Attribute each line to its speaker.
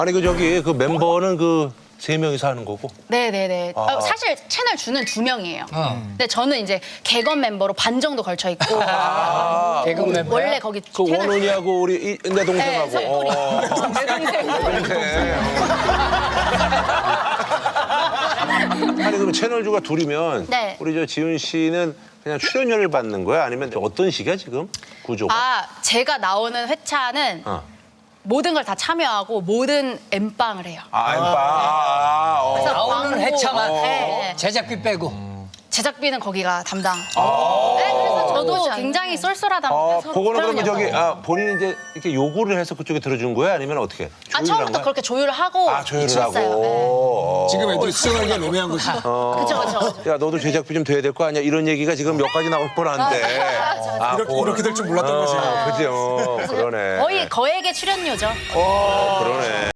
Speaker 1: 아니 그 저기 그 멤버는 그 3명이서 하는 거고.
Speaker 2: 네네네. 사실 채널 주는 2명이에요. 근데 저는 이제 개건 멤버로 반 정도 걸쳐 있고.
Speaker 3: 개건 멤버야?
Speaker 2: 원래 거기
Speaker 1: 그
Speaker 2: 채널
Speaker 1: 원훈이하고 우리 내 동생하고.
Speaker 2: 네, 석훈이. 내 동생.
Speaker 1: 아니 그럼 채널주가 둘이면
Speaker 2: 네.
Speaker 1: 우리 저 지훈 씨는 그냥 출연료를 받는 거야? 아니면 어떤 식이야 지금 구조가?
Speaker 2: 아, 제가 나오는 회차는 모든 걸 다 참여하고 모든 엠빵을 해요. 그래서
Speaker 3: 나오는
Speaker 2: 광고,
Speaker 3: 회차만
Speaker 2: 네.
Speaker 3: 제작비 빼고.
Speaker 2: 제작비는 거기가 담당. 네, 그래서 저도 굉장히 쏠쏠하다 보니까
Speaker 1: 그거는 그러면 저기 본인이 이제 이렇게 요구를 해서 그쪽에 들어준 거야? 아니면 어떻게?
Speaker 2: 아,
Speaker 1: 조율을 한
Speaker 2: 처음부터
Speaker 1: 거야?
Speaker 2: 그렇게 조율을 하고
Speaker 1: 조율을
Speaker 2: 있었어요.
Speaker 1: 하고.
Speaker 4: 지금 애들이 수정하기가 애매한 거지.
Speaker 2: 그쵸.
Speaker 1: 야 너도 제작비 좀 돼야 될 거 아니야? 이런 얘기가 지금 몇 가지 나올 뻔한데.
Speaker 4: 이렇게 될 줄 몰랐던 거지.
Speaker 1: 그죠. 그러네.
Speaker 2: 거의 거액의 출연료죠.
Speaker 1: 그러네.